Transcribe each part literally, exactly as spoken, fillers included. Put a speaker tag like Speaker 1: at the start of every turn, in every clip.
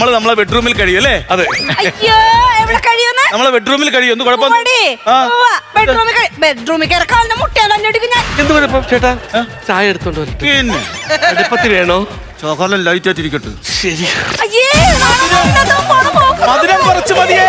Speaker 1: നമ്മള് നമ്മളെ ബെഡ്റൂമിൽ കഴിയും അല്ലേ?
Speaker 2: അതെ.
Speaker 3: അയ്യോ എവിടെ കഴിയുന്ന
Speaker 1: നമ്മളെ ബെഡ്റൂമിൽ കഴിയും. ഒന്നും കുഴപ്പമൊന്നും
Speaker 3: ബെഡ്റൂമിൽ ബെഡ്റൂമിൽ കയറക്കാലിന്റെ മുട്ടയാലും അടിക്കും ഞാൻ.
Speaker 2: എന്ത് കുഴപ്പം ചേട്ടാ? ചായ എടുത്തോണ്ട് വരട്ടെ?
Speaker 1: പിന്നെ
Speaker 2: അടുപ്പത്തി വേണോ?
Speaker 1: ചോക്കോലം ലൈറ്റ് ആയിട്ടിരിക്കട്ടെ.
Speaker 2: ശരി.
Speaker 3: അയ്യേ
Speaker 1: മധുരം കുറച്ച് മതിയേ.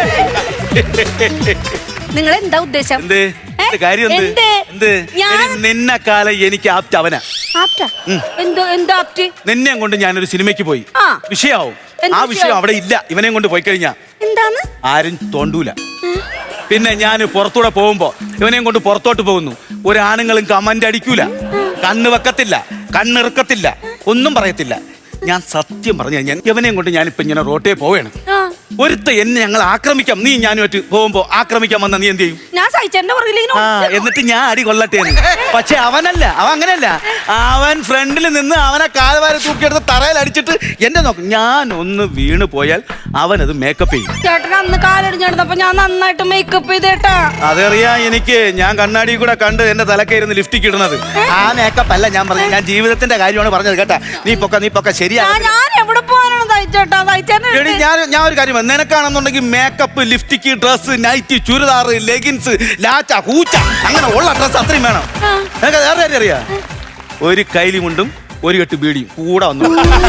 Speaker 3: നിങ്ങൾ എന്താ ഉദ്ദേശം?
Speaker 1: എന്ത് കാര്യം? എന്ത് എന്ത് നിന്നെ കാലം എനിക്ക് ആപ്റ്റ് അവനാ.
Speaker 3: എന്തോ എന്താ ആപ്റ്റ്?
Speaker 1: നിന്നെ കൊണ്ട് ഞാനൊരു സിനിമയ്ക്ക് പോയി, വിഷയാവും. ആ വിഷയം അവിടെ ഇല്ല. ഇവനെ കൊണ്ട് പോയി കഴിഞ്ഞാ
Speaker 3: എന്താണ്
Speaker 1: ആരും തോണ്ടൂല. പിന്നെ ഞാൻ പുറത്തൂടെ പോകുമ്പോ ഇവനെയും കൊണ്ട് പുറത്തോട്ട് പോകുന്നു. ഒരാണുങ്ങളും കമന്റ് അടിക്കൂല, കണ്ണ് വെക്കത്തില്ല, കണ്ണിറുക്കത്തില്ല, ഒന്നും പറയത്തില്ല. ഞാൻ സത്യം പറഞ്ഞു കഴിഞ്ഞാൽ ഇവനെയും കൊണ്ട് ഞാനിപ്പോ ഇങ്ങനെ റോട്ടേ പോവേണ്. ഒരുത്ത എന്നെ ഞങ്ങൾ ആക്രമിക്കാം, നീ ഞാനുമായിട്ട് പോകുമ്പോ ആക്രമിക്കാൻ വന്ന നീ എന്ത് ചെയ്യും?
Speaker 3: ഞാൻ സഹിച്ചെന്റെ
Speaker 1: ആ എന്നിട്ട് ഞാൻ അടി കൊള്ളട്ടെ. പക്ഷെ അവനല്ല, അവൻ അങ്ങനെയല്ല. അവൻ ഫ്രണ്ടിൽ നിന്ന് അവനെ കാൽവാരി തൂക്കിയെടുത്ത് തറയിൽ അടിച്ചിട്ട് എന്നെ നോക്കും. ഞാൻ ഒന്ന് വീണ് പോയാൽ അവനത് മേക്കപ്പ് ചെയ്യും.
Speaker 3: ചേട്ടൻ അന്ന് കാലടിഞ്ഞെടുത്തപ്പോ ഞാൻ നന്നായിട്ട് മേക്കപ്പ് ചെയ്തേട്ടാ.
Speaker 1: അതറിയാ എനിക്ക്. ഞാൻ കണ്ണാടി കൂടെ കണ്ട് എന്റെ തലക്കായിരുന്നു ലിഫ്റ്റിക്ക് ഇടുന്നത്. ആ മേക്കപ്പ് അല്ല ഞാൻ പറഞ്ഞത്, ഞാൻ ജീവിതത്തിന്റെ കാര്യമാണ് പറഞ്ഞത് കേട്ടാ. നീ പൊക്ക നീ പൊക്ക ശരിയാ.
Speaker 3: ഞാൻ എവിടെ പോകാനാണ് തയ്ച്ചേട്ടാ?
Speaker 1: എടി ഞാൻ ഞാൻ ഒരു കാര്യം, നിനക്കാണെന്നുണ്ടെങ്കിൽ makeup, lipstick, dress, night, churidar, leggings, ലാച്ച, ഹൂച്ച, അങ്ങനെ ഉള്ള ഡ്രസ് അത്രയും വേണം. നിനക്ക് വേറെ കാര്യം അറിയാ? ഒരു കൈലി മുണ്ടും ഒരു കെട്ട് ബീഡിയും കൂടെ വന്നു.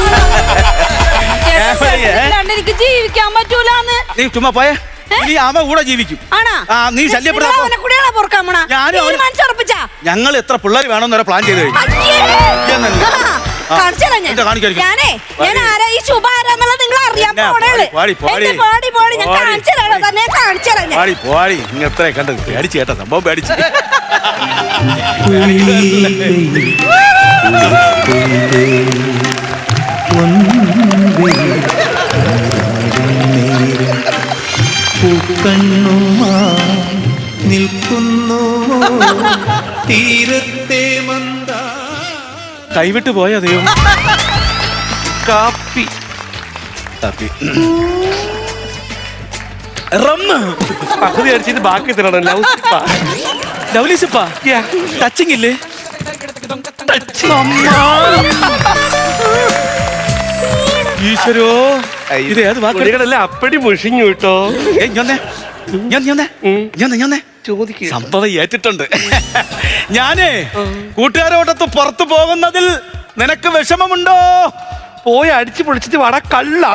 Speaker 3: എനിക്ക് ജീവിക്കാൻ പറ്റൂലെന്ന്.
Speaker 1: നീ ചുമ്മാ പോയേ. നീ അവൻ കൂടെ ജീവിക്കും. നീ ശല്യപ്പെടാ. ഞങ്ങൾ എത്ര പിള്ളേർ വേണമെന്ന് പ്ലാൻ ചെയ്ത് കഴിഞ്ഞു.
Speaker 3: ഞാനേ ഞാൻ ആരാ ഈ ശുഭ ആരാന്നുള്ളത് നിങ്ങൾ അറിയാൻ
Speaker 1: പോടി. ഇങ്ങത്ര കണ്ടത് പേടിച്ച് കേട്ട സംഭവം പേടിച്ച്.
Speaker 4: നിൽക്കുന്നു തീരത്തെ മന്ദ.
Speaker 1: കൈവിട്ട് പോയ ദൈവം.
Speaker 2: കാപ്പി
Speaker 1: കാപ്പി റമ്മ്
Speaker 2: പകുതി അടിച്ചിട്ട് ബാക്കി തരണം. ലൗസിപ്പാ
Speaker 1: ലൗലിസിപ്പാ ടച്ചിങ് ഇല്ലേ? ഈശ്വരോ, ഇത് ഏത് വാക്കുകളല്ല?
Speaker 2: അപ്പടി മുഷിഞ്ഞു കേട്ടോ.
Speaker 1: സംഭവം ഏറ്റിട്ടുണ്ട്. ഞാനേ കൂട്ടുകാരോടൊത്ത് പുറത്തു പോകുന്നതിൽ നിനക്ക് വിഷമമുണ്ടോ?
Speaker 2: പോയി അടിച്ചു പൊളിച്ചിട്ട് വട കള്ള.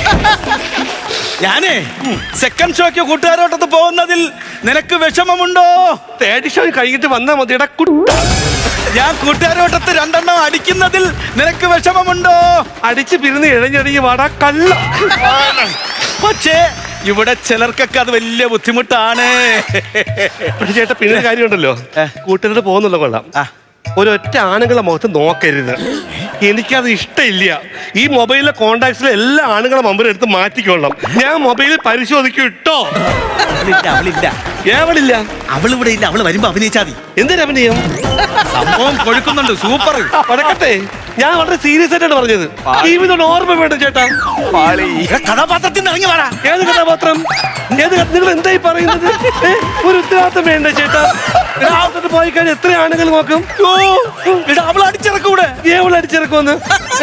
Speaker 1: ഞാനേ സെക്കൻഡ് ഷോയ്ക്ക് കൂട്ടുകാരോട്ടത്ത് പോകുന്നതിൽ നിനക്ക് വിഷമമുണ്ടോ?
Speaker 2: തേർഡ് ഷോ കഴിഞ്ഞിട്ട് വന്നാ മതിയുടെ കുട്ട.
Speaker 1: ഞാൻ കൂട്ടുകാരോട്ടത്ത് രണ്ടെണ്ണം അടിക്കുന്നതിൽ നിനക്ക് വിഷമമുണ്ടോ?
Speaker 2: അടിച്ച് പിരിന്ന് ഇഴഞ്ഞടിഞ്ഞ് വട കള്ള.
Speaker 1: പക്ഷേ ഇവിടെ ചിലർക്കൊക്കെ അത് വലിയ ബുദ്ധിമുട്ടാണ്.
Speaker 2: പക്ഷെ ചേട്ടാ പിന്നെ കാര്യമുണ്ടല്ലോ, കൂട്ടുകാരോട് പോകുന്നുള്ള കൊള്ളാം. ഒരൊറ്റ ആണുങ്ങളെ മുഖത്ത് നോക്കരുത്. എനിക്കത് ഇഷ്ടമില്ല. ഈ മൊബൈലിലെ കോണ്ടാക്ട്സിലെ എല്ലാ ആണുങ്ങളെ നമ്പർ എടുത്ത് മാറ്റിക്കൊള്ളാം. ഞാൻ മൊബൈലിൽ പരിശോധിക്കും ഇട്ടോ. ഏവളില്ല,
Speaker 1: അവളിവിടെ ഇല്ല. അവള് വരുമ്പോ അഭിനയിച്ചാ മതി.
Speaker 2: എന്തിനാ അഭിനയം?
Speaker 1: സംഭവം കൊഴുക്കുന്നുണ്ട്. സൂപ്പർ.
Speaker 2: പടക്കട്ടെ, ഞാൻ വളരെ സീരിയസ് ആയിട്ടാണ് പറഞ്ഞത്. ജീവിതം ഓർമ്മ വേണ്ട ചേട്ടാ.
Speaker 1: കഥാപാത്രത്തിൽ നിന്ന് ഇറങ്ങി വേണം.
Speaker 2: ഏത് കഥാപാത്രം? ഏത് നിങ്ങൾ എന്തായി പറയുന്നത്? ഒരു ഉത്തരവാദിത്തം വേണ്ട ചേട്ടാ. പോയി കഴിഞ്ഞാൽ എത്ര ആണുങ്ങൾ നോക്കും?
Speaker 1: അവൾ അടിച്ചിറക്കൂടെ?
Speaker 2: ഏവൾ അടിച്ചിറക്കുമെന്ന്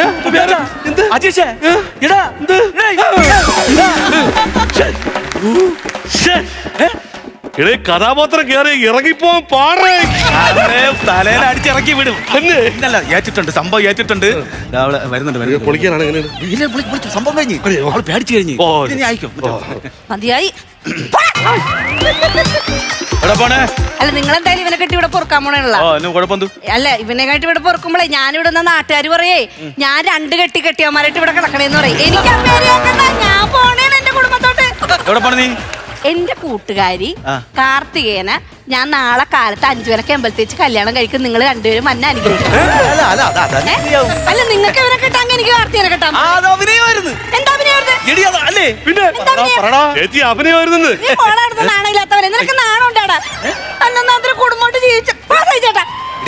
Speaker 2: ഇടേ കഥാപാത്രം കയറി ഇറങ്ങിപ്പോവാൻ പാടേ.
Speaker 1: തലേനെ അടിച്ചിറക്കി വിടും. ഇന്നല്ല ഏറ്റിട്ടുണ്ട്, സംഭവം ഏറ്റിട്ടുണ്ട്. അവള് വരുന്നുണ്ട്.
Speaker 2: പൊളിക്കാനാണ്
Speaker 1: സംഭവം കഴിഞ്ഞ് അവള് പേടിച്ചു കഴിഞ്ഞ് ആയിക്കോ.
Speaker 3: മതിയായി.
Speaker 1: അല്ല
Speaker 3: നിങ്ങൾ എന്തായാലും ഇവനെ കെട്ടി ഇവിടെ പൊറുക്കാൻ പോണല്ലോ. അല്ല ഇവനെ കെട്ടി ഇവിടെ പൊറുക്കുമ്പോഴേ ഞാനിവിടെ നിന്ന് നാട്ടുകാർ പറയേ ഞാൻ രണ്ട് കെട്ടി കെട്ടിയമാരായിട്ട് ഇവിടെ കിടക്കണേന്ന് പറയും. എനിക്ക് ആ പേര് കേൾക്കണ്ട. ഞാൻ പോണേണ് എന്റെ കുടുംബത്തോട്ട്. എന്റെ കൂട്ടുകാരി കാർത്തികേന ഞാൻ നാളെ കാലത്ത് അഞ്ചു പേരൊക്കെ അമ്പലത്തേച്ച് കല്യാണം കഴിക്കും. നിങ്ങൾ രണ്ടുപേരും മന്നെ അനുഗ്രഹിക്കും. അല്ല നിങ്ങൾക്ക് ഇവരെ കിട്ടാൻ എനിക്ക് കാർത്തികനെ കിട്ടാം. എന്താ നാണയില്ലാത്തവരെ നിനക്ക് നാണം ഉണ്ടാടാ. അന്നൊന്നും കുടുംബമായിട്ട് ജീവിച്ച ചേട്ടാ.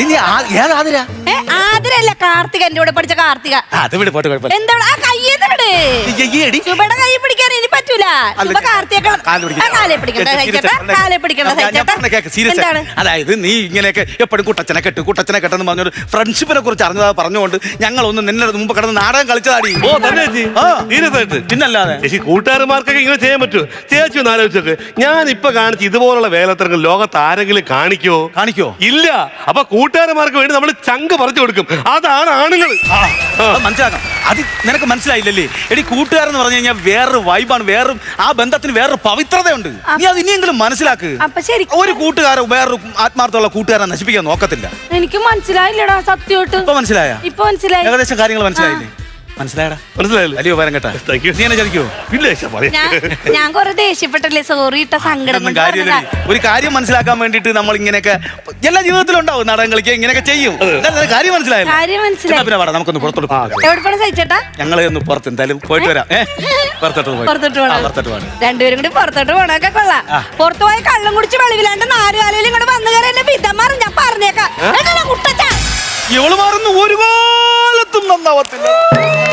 Speaker 3: ആതിരല്ല, കാർത്തിക. എന്റെ കൂടെ പഠിച്ച കാർത്തിക. എന്താ ആ കയ്യേന്ന് വിട്. കൈ പിടിക്കാൻ ഇനി പറ്റൂല. പറ്റൂല ഇപ്പൊ കാർത്തിക
Speaker 1: കാല് പിടിക്കണം.
Speaker 3: കാലെ പിടിക്കണ്ട സഹിച്ചേട്ടാ കാലെ പിടിക്കണ്ട
Speaker 1: ഞാൻ- ഞാൻ
Speaker 3: സഹിച്ചേട്ടാ
Speaker 1: പറഞ്ഞ കേക്ക്, serious
Speaker 3: എന്താണ്
Speaker 1: ആയി. അതായത് നീ ഇങ്ങനെയൊക്കെ എപ്പോഴും കുട്ടച്ചനെ കെട്ട് കുട്ടച്ചനെ കെട്ടെന്ന് പറഞ്ഞൊരു ഫ്രണ്ട്ഷിപ്പിനെ കുറിച്ച് അറിഞ്ഞതാ പറഞ്ഞുകൊണ്ട് ഞങ്ങളൊന്ന് നിന്നെ മുമ്പ് കിടന്ന് നാടകം കളിച്ചതാടി.
Speaker 2: ഓ തന്നെ ചേച്ചി
Speaker 1: ആ.
Speaker 2: സീരിയസ് ആയിട്ട്
Speaker 1: പിന്നല്ലാതെ
Speaker 2: ചേച്ചി കൂട്ടുകാരന്മാർക്കൊക്കെ ഇങ്ങനെ ചെയ്യാൻ പറ്റുമോ? ചേച്ചി ഒന്ന് ആലോചിച്ചോക്ക്, ഞാൻ ഇപ്പൊ കാണിച്ച ഇതുപോലുള്ള വേലത്തരങ്ങൾ ലോകത്ത് ആരെങ്കിലും കാണിക്കോ?
Speaker 1: കാണിക്കോ?
Speaker 2: ഇല്ല. അപ്പൊ കൂട്ടുകാരന്മാർക്ക് വേണ്ടി നമ്മൾ ചങ്ക് പറിച്ചു കൊടുക്കും. അതാണ് ആണുങ്ങൾ.
Speaker 1: ആ, അത് മനസ്സിലാക്കാം. അത് നിനക്ക് മനസ്സിലായില്ലല്ലേ? എടി കൂട്ടുകാരെന്ന് പറഞ്ഞു കഴിഞ്ഞാൽ വേറൊരു വൈബാണ്, വേറൊരു ആ ബന്ധത്തിന് വേറൊരു പവിത്രതയുണ്ട്. നീ അത് ഇനിയെങ്കിലും മനസ്സിലാക്ക്.
Speaker 3: അപ്പൊ ശരി
Speaker 1: ഒരു കൂട്ടുകാരൻ വേറൊരു ആത്മാർത്ഥമുള്ള കൂട്ടുകാരനെ നശിപ്പിക്കാൻ നോക്കത്തില്ല.
Speaker 3: എനിക്ക് മനസ്സിലായില്ലടാ സത്യമായിട്ട്
Speaker 1: ഇപ്പൊ മനസ്സിലായ?
Speaker 3: ഇപ്പൊ മനസ്സിലായി
Speaker 1: ഏകദേശം കാര്യങ്ങൾ മനസ്സിലായില്ലേ? മനസ്സിലായടാ?
Speaker 2: മനസ്സിലായല്ലോ?
Speaker 1: വലിയ ഉപകാരം കേട്ടാ.
Speaker 2: Thank you.
Speaker 1: നീ എന്നെ ചതിക്കോ?
Speaker 2: ഇല്ല ചേച്ചാ, പറയാം.
Speaker 3: ഞാൻ ഞാൻ കൊറേ ദേഷ്യപ്പെട്ടല്ലേ സോറി ഇട്ട സങ്കടം
Speaker 1: ഇതൊന്നും
Speaker 3: കൊണ്ട്
Speaker 1: കാര്യമില്ല.
Speaker 3: പറഞ്ഞതാ.
Speaker 1: ഒരു കാര്യം മനസ്സിലാക്കാൻ വേണ്ടിട്ട് നമ്മൾ ഇങ്ങനെയൊക്കെ എല്ലാ ജീവിതത്തിലും ഉണ്ടാവും, നാടകം കളിക്കുക ഇങ്ങനെയൊക്കെ ചെയ്യും. എന്തായാലും നിനക്ക് കാര്യം മനസ്സിലായല്ലോ.
Speaker 3: കാര്യം മനസ്സിലായി.
Speaker 1: എന്നാ പിന്നെ വേണം നമുക്കൊന്ന് പുറത്തോട്ട് പോകാം.
Speaker 3: എവിടെ പോണ സഹിച്ചേട്ടാ
Speaker 1: ഞങ്ങള് ഒന്ന് പുറത്ത് എന്തായാലും പോയിട്ട് വരാം. ഏ പുറത്തോട്ട് പോയി
Speaker 3: പുറത്തോട്ട്
Speaker 1: ആ,
Speaker 3: പോണം
Speaker 1: പുറത്തോട്ട് പോകണം.
Speaker 3: രണ്ടുപേരും കൂടി പുറത്തോട്ട് പോണൊക്കെ കൊള്ളാം. പുറത്തു പോയി കള്ളം കുടിച്ച് വെളിവിലാണ്ട് നാലുകാലിലും ഇങ്ങോട്ട് വന്നു കയറി എന്നെ പിതമാറും ഞാൻ പറഞ്ഞേക്കാം. കുട്ടച്ചാ
Speaker 1: ഇവള് മാറുന്ന ഒരു കാലത്തും നന്നാവത്തില്ല.